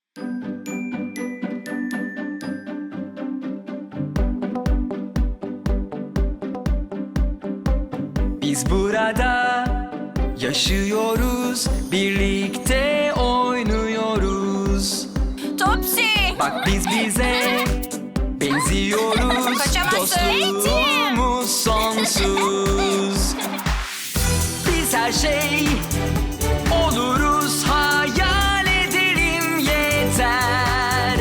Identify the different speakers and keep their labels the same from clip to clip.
Speaker 1: Biz burada yaşıyoruz, birlikte oynuyoruz.
Speaker 2: Topsy!
Speaker 1: Bak biz bize benziyoruz.
Speaker 2: Kaçamazsın.
Speaker 1: Dostluğumuz sonsuz. Biz her şey oluruz, hayal edelim yeter.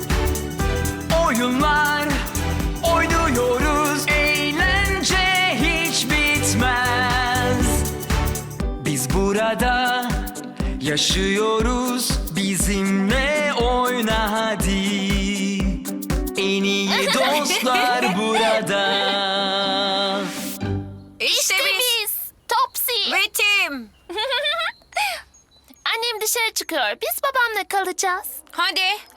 Speaker 1: Oyunlar oynuyoruz, eğlence hiç bitmez. Biz burada yaşıyoruz, bizimle oyna hadi. En iyi dostlar burada.
Speaker 2: İşte biz.
Speaker 3: Topsy.
Speaker 2: Ve Tim.
Speaker 3: Annem dışarı çıkıyor. Biz babamla kalacağız.
Speaker 2: Hadi.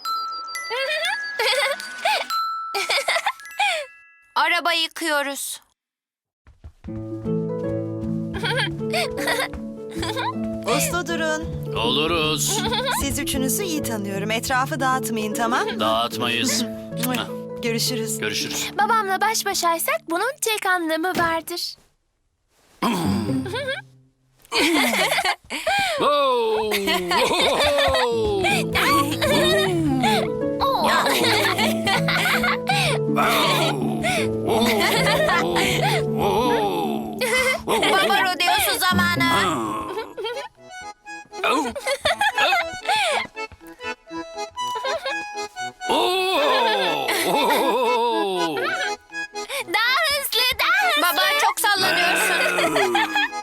Speaker 2: Araba yıkıyoruz.
Speaker 4: Uslu durun.
Speaker 5: Oluruz.
Speaker 4: Siz üçünüzü iyi tanıyorum. Etrafı dağıtmayın, tamam?
Speaker 5: Dağıtmayız. Hah,
Speaker 4: Görüşürüz.
Speaker 5: görüşürüz.
Speaker 3: Babamla baş başaysak bunun tek anlamı vardır.
Speaker 5: Oh!
Speaker 2: Baba rodeosu zamanı.
Speaker 3: Daha hızlı, daha hızlı.
Speaker 2: Baba çok sallanıyorsun.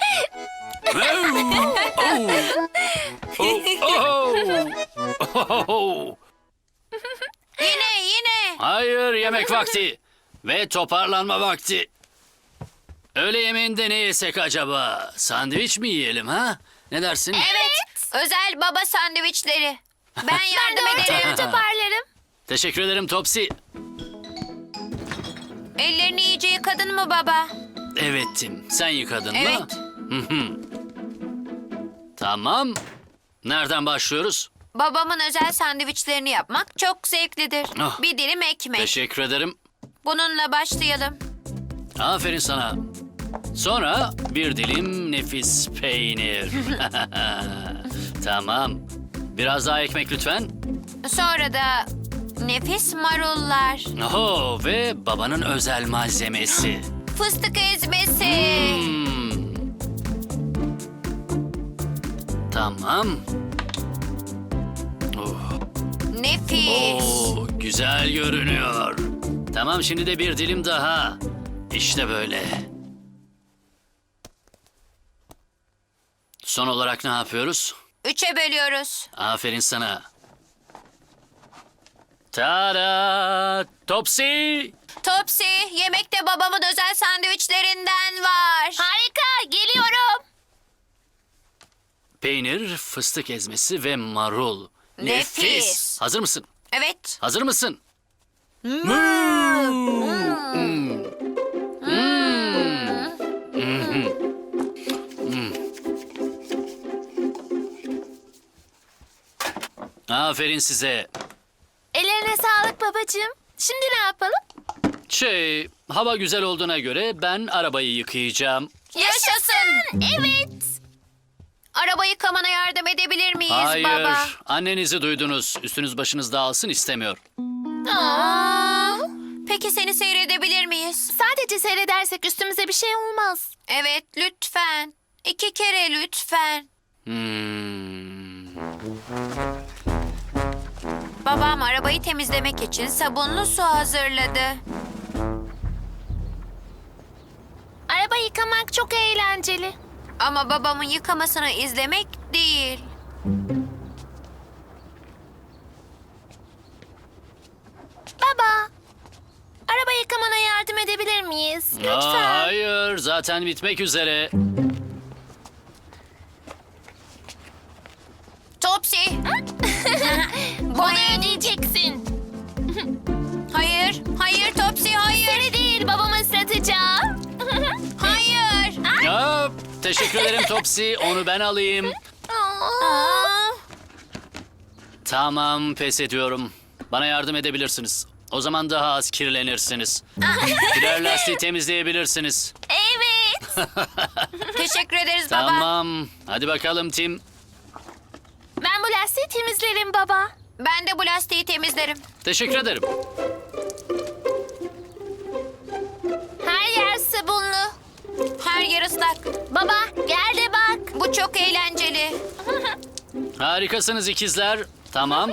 Speaker 2: Yine.
Speaker 5: Hayır, yemek vakti ve toparlanma vakti. Öğle yemeğinde ne yesek acaba? Sandviç mi yiyelim ha? Ne dersin?
Speaker 2: Evet. Özel baba sandviçleri. Ben
Speaker 3: Ben de
Speaker 2: yardım
Speaker 3: ortalığı
Speaker 2: ederim.
Speaker 3: toparlarım.
Speaker 5: Teşekkür ederim Topsy.
Speaker 2: Ellerini iyice yıkadın mı baba?
Speaker 5: Evet Tim, sen yıkadın
Speaker 2: Evet.
Speaker 5: mı? Hı hı. Tamam. Nereden başlıyoruz?
Speaker 2: Babamın özel sandviçlerini yapmak çok zevklidir.
Speaker 5: Ah.
Speaker 2: Bir dilim ekmek.
Speaker 5: Teşekkür ederim.
Speaker 2: Bununla başlayalım.
Speaker 5: Aferin sana. Sonra bir dilim nefis peynir. Tamam. Biraz daha ekmek lütfen.
Speaker 2: Sonra da nefis marullar.
Speaker 5: Oho, ve babanın özel malzemesi.
Speaker 2: Fıstık ezmesi.
Speaker 5: Hmm. Tamam. Oh.
Speaker 2: Nefis.
Speaker 5: Oo, güzel görünüyor. Tamam, şimdi de bir dilim daha. İşte böyle. Son olarak ne yapıyoruz?
Speaker 2: 3'e bölüyoruz.
Speaker 5: Aferin sana. Tada! Topsy!
Speaker 2: Topsy, yemekte babamın özel sandviçlerinden var.
Speaker 3: Harika, geliyorum.
Speaker 5: Peynir, fıstık ezmesi ve marul.
Speaker 2: Nefis.
Speaker 5: Hazır mısın?
Speaker 2: Evet.
Speaker 5: Hazır mısın? Aferin size.
Speaker 3: Ellerine sağlık babacığım. Şimdi ne yapalım?
Speaker 5: Hava güzel olduğuna göre ben arabayı yıkayacağım.
Speaker 2: Yaşasın.
Speaker 3: Evet.
Speaker 2: Araba yıkamana yardım edebilir miyiz
Speaker 5: Hayır,
Speaker 2: baba?
Speaker 5: annenizi duydunuz. Üstünüz başınız dağılsın istemiyor.
Speaker 2: Aa, peki seni seyredebilir miyiz?
Speaker 3: Sadece seyredersek üstümüze bir şey olmaz.
Speaker 2: Evet, lütfen. 2 kere lütfen. Babam arabayı temizlemek için sabunlu su hazırladı.
Speaker 3: Araba yıkamak çok eğlenceli.
Speaker 2: Ama babamın yıkamasını izlemek değil.
Speaker 3: Baba, araba yıkamana yardım edebilir miyiz? Lütfen.
Speaker 5: Hayır, zaten bitmek üzere.
Speaker 2: Topsy.
Speaker 3: Bunu ödeyeceksin.
Speaker 2: Hayır Topsy, hayır.
Speaker 3: Seni değil, babamı ıslatacağım.
Speaker 2: Hayır.
Speaker 5: Ya, teşekkür ederim Topsy. Onu ben alayım.
Speaker 2: Aa,
Speaker 5: Tamam, pes ediyorum. Bana yardım edebilirsiniz. O zaman daha az kirlenirsiniz. Birer lastiği temizleyebilirsiniz.
Speaker 3: Evet.
Speaker 2: Teşekkür ederiz baba.
Speaker 5: Tamam. Hadi bakalım Tim.
Speaker 3: Ben bu lastiği temizlerim baba.
Speaker 2: Ben de bu lastiği temizlerim.
Speaker 5: Teşekkür ederim.
Speaker 3: Her yer sabunlu.
Speaker 2: Her yer ıslak.
Speaker 3: Baba gel de bak.
Speaker 2: Bu çok eğlenceli.
Speaker 5: Harikasınız ikizler. Tamam.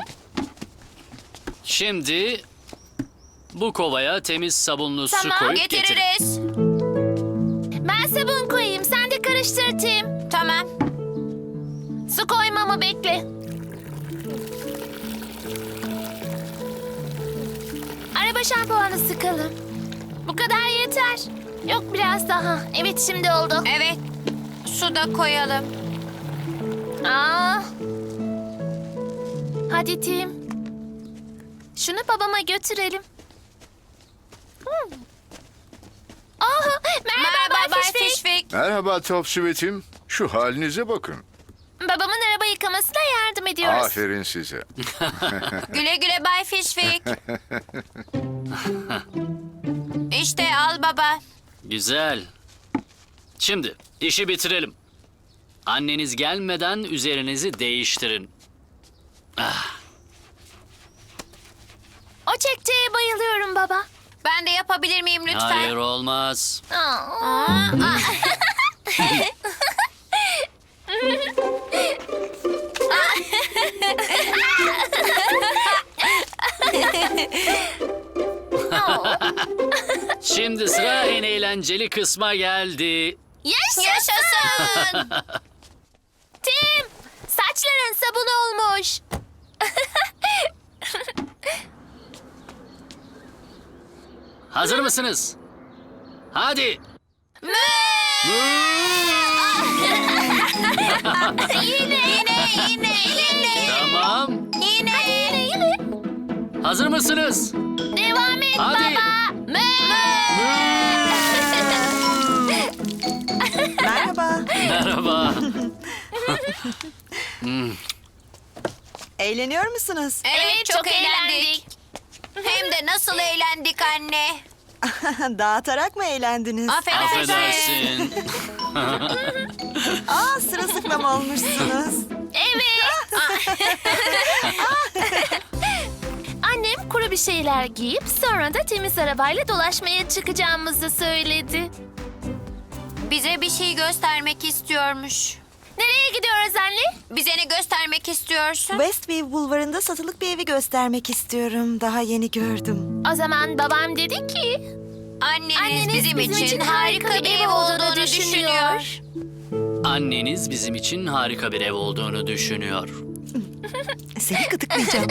Speaker 5: Şimdi bu kovaya temiz sabunlu su
Speaker 3: Tamam,
Speaker 5: koyup getirin.
Speaker 2: Getiririz.
Speaker 3: Ben sabun koyayım. Sen de karıştır Tim.
Speaker 2: Tamam.
Speaker 3: Su koymamı bekle. Araba şampuanı sıkalım. Bu kadar yeter. Yok biraz daha. Evet şimdi oldu.
Speaker 2: Evet. Su da koyalım.
Speaker 3: Aa. Hadi Tim. Şunu babama götürelim. Oh, merhaba Bay Fişfik.
Speaker 2: Fişfik.
Speaker 6: Merhaba Top Sweet'im. Şu halinize bakın.
Speaker 3: Babamın araba yıkamasına yardım ediyoruz.
Speaker 6: Aferin size.
Speaker 2: Güle güle Bay Fişfik. İşte al baba.
Speaker 5: Güzel. Şimdi işi bitirelim. Anneniz gelmeden üzerinizi değiştirin.
Speaker 3: O çekçeye bayılıyorum baba.
Speaker 2: Ben de yapabilir miyim lütfen?
Speaker 5: Hayır, olmaz.
Speaker 3: Aa.
Speaker 5: Şimdi sıra en eğlenceli kısma geldi.
Speaker 3: Yaşasın. Tim, saçların sabun olmuş.
Speaker 5: Hazır mısınız? Hadi.
Speaker 2: Yine.
Speaker 5: Tamam.
Speaker 2: Yine.
Speaker 5: Hazır mısınız?
Speaker 3: Devam et
Speaker 5: Hadi.
Speaker 3: baba.
Speaker 4: Merhaba.
Speaker 5: Merhaba.
Speaker 4: Eğleniyor musunuz?
Speaker 2: Evet, çok eğlendik. Hem de nasıl eğlendik anne.
Speaker 4: Dağıtarak mı eğlendiniz?
Speaker 5: Affedersin.
Speaker 4: Aa, sırılsıklam olmuşsunuz.
Speaker 3: Evet. Annem kuru bir şeyler giyip sonra da temiz arabayla dolaşmaya çıkacağımızı söyledi.
Speaker 2: Bize bir şey göstermek istiyormuş.
Speaker 3: Nereye gidiyoruz anne?
Speaker 2: Bize ne göstermek istiyorsun?
Speaker 4: Westview Bulvarı'nda satılık bir evi göstermek istiyorum. Daha yeni gördüm.
Speaker 3: O zaman babam dedi ki...
Speaker 2: Anneniz bizim için harika bir ev olduğunu düşünüyor.
Speaker 5: Anneniz bizim için harika bir ev olduğunu düşünüyor.
Speaker 4: Seni gıdıklayacağım.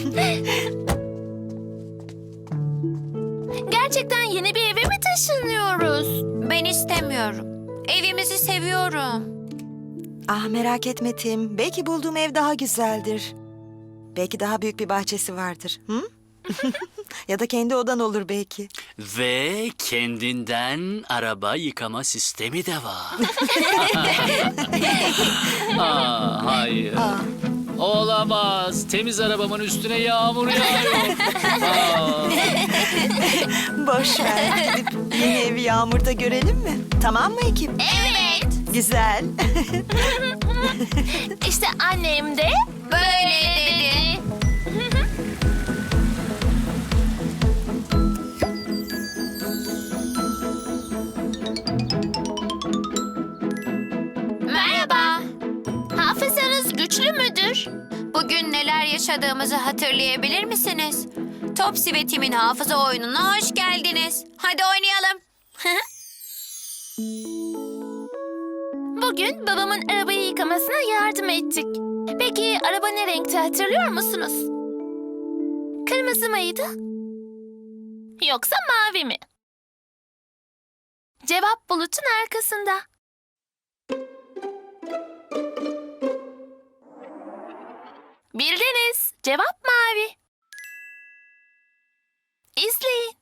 Speaker 3: Gerçekten yeni bir eve mi taşınıyoruz?
Speaker 2: Ben istemiyorum. Evimizi seviyorum.
Speaker 4: Ah, merak etme Tim. Belki bulduğum ev daha güzeldir. Belki daha büyük bir bahçesi vardır. Hı? Ya da kendi odan olur belki.
Speaker 5: Ve kendinden araba yıkama sistemi de var. Hayır. Olamaz. Temiz arabamın üstüne yağmur yağıyor.
Speaker 4: Boş ver. Gidip yeni evi yağmurda görelim mi? Tamam mı ekip?
Speaker 3: Evet.
Speaker 4: Güzel.
Speaker 3: İşte annem de
Speaker 2: Böyle dedi. Merhaba.
Speaker 3: hafızanız güçlü müdür?
Speaker 2: Bugün neler yaşadığımızı hatırlayabilir misiniz? Topsy ve Tim'in hafıza oyununa hoş geldiniz. Hadi oynayalım.
Speaker 3: Bugün babamın arabayı yıkamasına yardım ettik. Peki araba ne renkti hatırlıyor musunuz? Kırmızı mıydı? Yoksa mavi mi? Cevap bulutun arkasında. Bildiniz. Cevap mavi. İzleyin.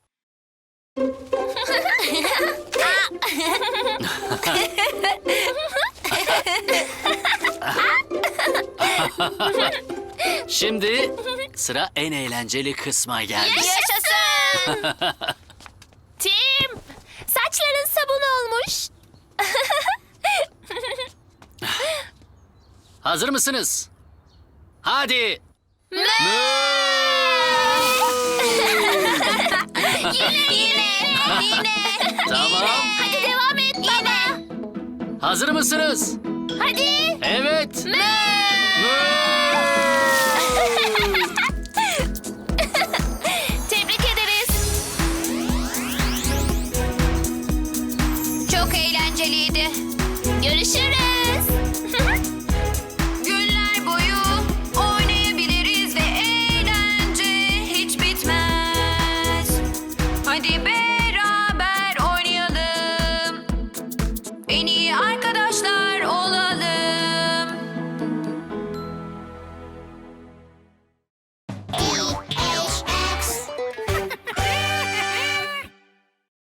Speaker 5: Şimdi sıra en eğlenceli kısma geldi.
Speaker 3: Yaşasın! Tim, saçların sabun olmuş.
Speaker 5: Hazır mısınız? Hadi.
Speaker 2: Yine.
Speaker 5: Tamam.
Speaker 3: Hadi devam et baba.
Speaker 5: Hazır mısınız?
Speaker 3: Hadi.
Speaker 5: Evet.
Speaker 3: Mö!